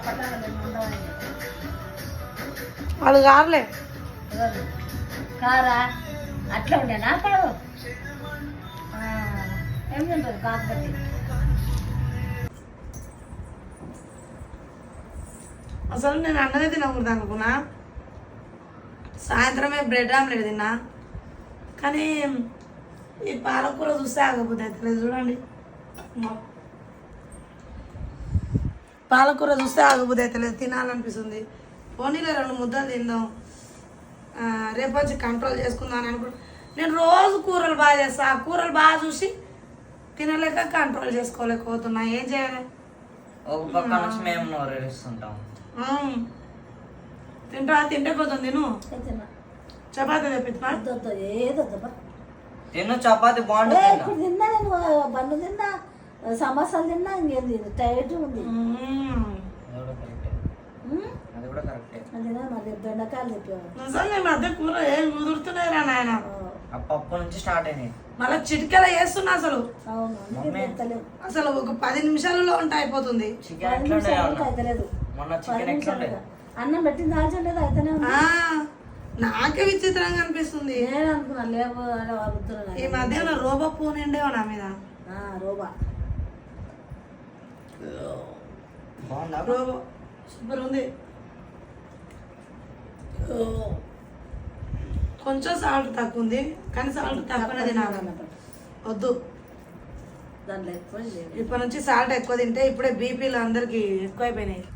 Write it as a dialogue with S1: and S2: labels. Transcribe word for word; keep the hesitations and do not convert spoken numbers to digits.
S1: వాళ్ళు కారులే
S2: కారా అట్లా ఉండే నా కాదు ఏం తింటారు కాకపోతే
S1: అసలు నేను అన్నదే తినకూడదు అనుకున్నా. సాయంత్రమే బ్రెడ్ ఆమ్లెట్ తిన్నా, కానీ ఈ పాలకూర చూస్తే ఆగకపోతే అవుతుంది. చూడండి, పాలకూర చూస్తే ఆగబుద్ధి అవుతలేదు, తినాలనిపిస్తుంది. పోనీలో రెండు ముద్దలు తిందాం, రేపు వచ్చి కంట్రోల్ చేసుకుందాం అని అనుకుంటా. నేను రోజు కూరలు బాగా చేస్తా, ఆ కూరలు బాగా చూసి తినలేక కంట్రోల్ చేసుకోలేకపోతున్నా. ఏం చేయాలి?
S3: ఒక పక్క నుంచి మేము నోరేస్తుంటాం.
S1: తింటా తింటే పోతుంది. తిను, చపాతీ తెప్పించా.
S3: తిను, చపాతి బాగుంటుంది.
S2: ఇప్పుడు తిన్నా నేను బండు తిన్నా, సమోసాలు తిన్నా, ఇంకేం తిన్నా టైట్ ఉంది.
S3: అది కూడా కరెక్టే.
S2: అదేనా మళ్ళీ బెండకాయలు చెప్పేవాడు.
S1: నిజంగా ఈ మధ్య కూర ఏం కుదురుతున్నాయిరా నాయన.
S3: ఆ పప్పు నుంచి స్టార్ట్ అయినాయి.
S1: మళ్ళీ చిటికెలా చేస్తున్నా అసలు.
S2: అవును అందుకే తింటలేము.
S1: అసలు ఒక పది నిమిషాలలో వంట అయిపోతుంది.
S3: చికెన్ ఎట్లా ఉండే
S2: అయితలేదు.
S3: మొన్న చికెన్ ఎట్లా ఉండే?
S2: అన్నం పెట్టింది దాల్చండి అయితేనే ఉంది.
S1: ఆ, నాకే విచిత్రంగా అనిపిస్తుంది.
S2: నేను అనుకున్నా లేవు అని వాగుతున్నాను.
S1: ఈ మధ్య రోబో ఫోన్ ఉండేవా నా మీద.
S2: రోబా
S3: బాగుందా?
S1: రోబో సూపర్ ఉంది. కొంచెం సాల్ట్ తక్కువ ఉంది, కానీ సాల్ట్ తక్కువనే తినాలి. వద్దు,
S2: దాంట్లో ఎక్కువ
S1: ఇప్పటి నుంచి సాల్ట్ ఎక్కువ తింటే ఇప్పుడే బీపీలు అందరికి ఎక్కువైపోయినాయి.